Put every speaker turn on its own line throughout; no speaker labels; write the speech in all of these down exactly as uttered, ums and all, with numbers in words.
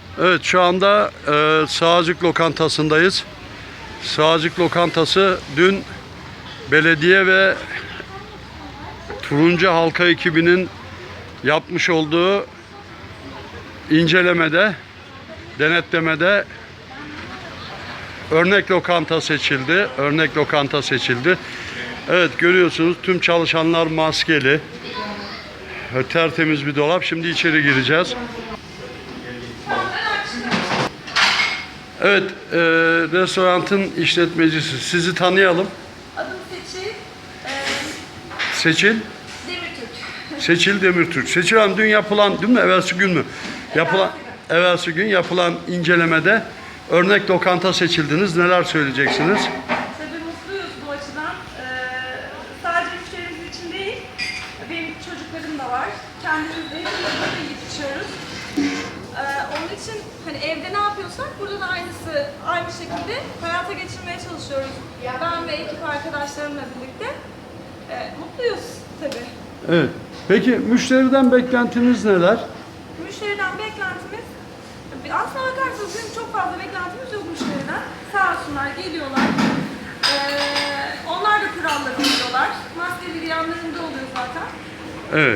Evet, şu anda e, Sağcık Lokantası'ndayız. Sağcık Lokantası dün belediye ve Turuncu Halka ekibinin yapmış olduğu incelemede, denetlemede örnek lokanta seçildi. Örnek lokanta seçildi. Evet, görüyorsunuz tüm çalışanlar maskeli. Tertemiz bir dolap. Şimdi içeri gireceğiz. Evet, e, restoranın işletmecisi. Sizi tanıyalım.
Adım Seçil. Ee,
Seçil.
Demirtürk.
Seçil Demirtürk. Seçil Hanım, dün yapılan, dün mü, evvelsi gün mü? Yapılan, evvelsi gün yapılan incelemede örnek lokanta seçildiniz. Neler söyleyeceksiniz?
Tabii mutluyuz bu açıdan. Ee, sadece müşterimiz için değil, benim çocuklarım da var. Kendimiz de hepimiz burada yiyip içiyoruz. Ee, onun için hani evde ne yapıyorsak burada da aynısı, aynı şekilde hayata geçirmeye çalışıyoruz. Ben ve ekip arkadaşlarımla birlikte. Ee, mutluyuz tabii.
Evet. Peki müşteriden beklentiniz neler?
Müşteriden beklentimiz, aslına bakarsanız bizim çok fazla beklentimiz yok müşteriden. Sağ olsunlar, geliyorlar. Ee, onlar da kuralları biliyorlar. Maskeli yanlarında oluyor zaten.
Evet.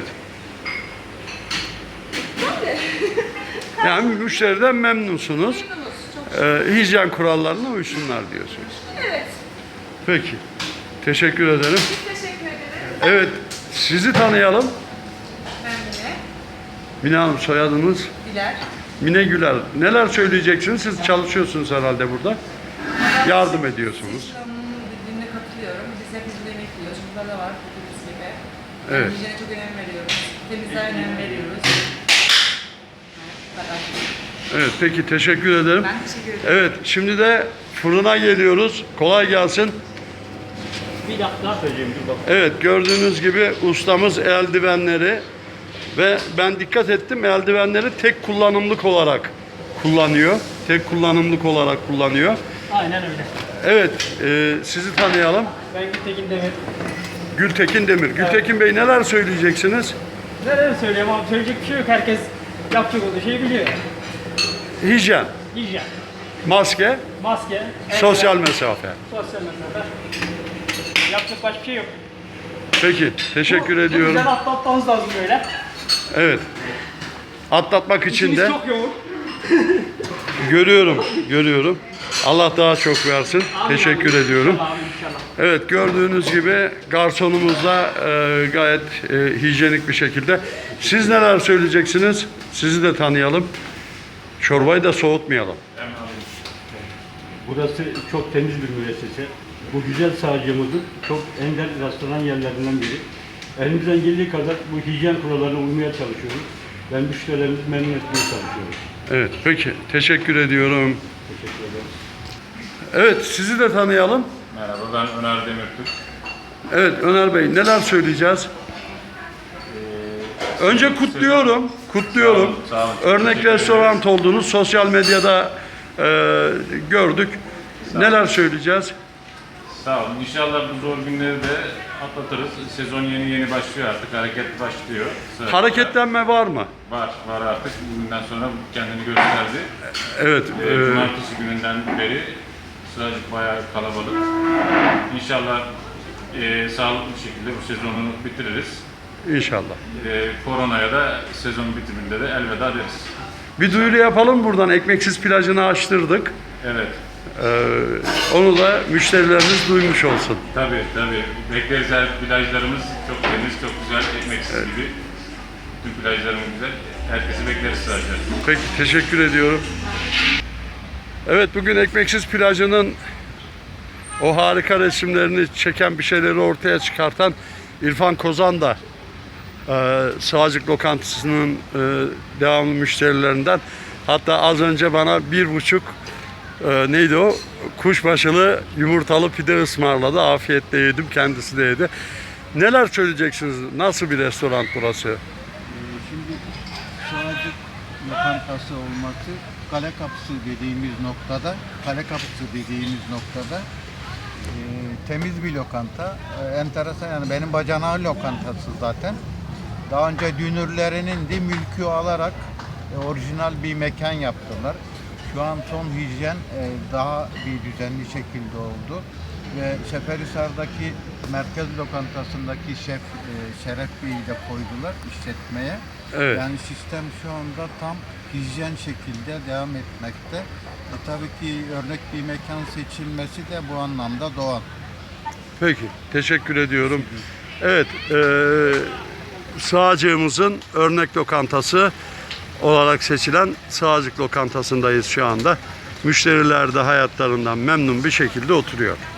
Böyle.
Yani müşteriden memnunsunuz.
Memnunuz, çok şükür.
Ee, hijyen kurallarına uysunlar diyorsunuz.
Evet,
Peki. Teşekkür ederim.
biz teşekkür ederiz.
Evet. Sizi tanıyalım.
Ben Mine.
Mine Hanım, soyadınız?
Güler.
Mine Güler. Neler söyleyeceksiniz? Siz çalışıyorsunuz herhalde burada. Yardım ediyorsunuz.
Seçil Hanım'ın dediğine katılıyorum. Biz hepimiz burada yemek yiyoruz. Burada da var dediğimiz gibi.
Evet.
Hijyene çok önem veriyoruz. Temizliğe önem veriyoruz. Evet,
Evet, peki teşekkür ederim.
ben teşekkür ederim.
Evet, şimdi de fırına geliyoruz. Kolay gelsin.
Bir dakika söyleyeyim dur bak.
Evet, gördüğünüz gibi ustamız eldivenleri ve ben dikkat ettim, eldivenleri tek kullanımlık olarak kullanıyor. Tek kullanımlık olarak kullanıyor.
Aynen öyle.
Evet, e, sizi tanıyalım.
Ben Gültekin Demir.
Gültekin Demir. Gültekin Bey, neler söyleyeceksiniz?
Neler söyleyeyim abi, söyleyecek bir şey yok. Herkes yapacak olduğu şeyi biliyor.
Hijyen,
Hijyen,
maske,
maske,
sosyal
eldiven,
mesafe.
sosyal mesafe. Yapacak başka bir şey yok.
Peki, teşekkür
Bu-
ediyorum.
Bu güzel atlatmamız lazım böyle.
Evet. Atlatmak için
İşimiz
de
çok yoğun.
görüyorum, görüyorum. Allah daha çok versin.
Amin,
Teşekkür
amin.
ediyorum.
İnşallah, amin, inşallah.
Evet, gördüğünüz gibi garsonumuz da e, gayet e, hijyenik bir şekilde. Siz neler söyleyeceksiniz? Sizi de tanıyalım. Çorbayı da soğutmayalım.
Burası çok temiz bir müessese. Bu güzel sağcımızın çok ender restoran yerlerinden biri. Elimizden geldiği kadar bu hijyen kurallarına uymaya çalışıyoruz. Ve müşterilerimizi memnun etmeye çalışıyoruz.
Evet, peki. Teşekkür ediyorum.
Teşekkür ederim.
Evet, sizi de tanıyalım.
Merhaba, ben Öner Demirtürk.
Evet, Öner Bey, neler söyleyeceğiz? Önce kutluyorum, kutluyorum.
Sağ olun, sağ olun.
Örnek
Teşekkür
restoran oldunuz, sosyal medyada e, gördük. Neler söyleyeceğiz?
Sağ olun. İnşallah bu zor günleri de atlatırız. Sezon yeni yeni başlıyor artık, hareket başlıyor. Sırasıyla.
Hareketlenme var mı?
Var, var artık. Bugünden sonra kendini gösterdi.
Evet.
Ee,
e,
Cumartesi gününden beri Sıracık bayağı kalabalık. İnşallah e, sağlıklı bir şekilde bu sezonu bitiririz.
İnşallah.
E, koronaya da sezon bitiminde de elveda deriz.
Bir duyuru yapalım buradan. Ekmeksiz plajını açtırdık.
Evet.
Ee, onu da müşterilerimiz duymuş olsun.
Tabii tabii. Bekleriz, her plajlarımız çok temiz, çok güzel, ekmeksiz gibi. Bütün plajlarımız güzel. Herkesi bekleriz sadece.
Peki, teşekkür ediyorum. Evet, bugün Ekmeksiz plajının o harika resimlerini çeken, bir şeyleri ortaya çıkartan İrfan Kozan da e, Sağcık Lokantası'nın e, devamlı müşterilerinden. Hatta az önce bana bir buçuk e, neydi o? Kuşbaşılı yumurtalı pide ısmarladı. Afiyetle yedim, kendisi de yedi. Neler söyleyeceksiniz? Nasıl bir restoran burası?
Şimdi Sağcık lokantası olması kale kapısı dediğimiz noktada, kale kapısı dediğimiz noktada e, temiz bir lokanta. E, enteresan, yani benim bacanağı lokantası zaten. Daha önce dünürlerinin de mülkü alarak e, orijinal bir mekan yaptılar. Şu an son hijyen e, daha bir düzenli şekilde oldu. Ve Seferihisar'daki merkez lokantasındaki şef e, Şeref Bey'i de koydular işletmeye.
Evet.
Yani sistem şu anda tam hijyen şekilde devam etmekte. E, tabii ki örnek bir mekan seçilmesi de bu anlamda doğal.
Peki, teşekkür ediyorum. Evet, e, Sığacık'ımızın örnek lokantası olarak seçilen Sığacık Lokantası'ndayız şu anda. Müşteriler de hayatlarından memnun bir şekilde oturuyor.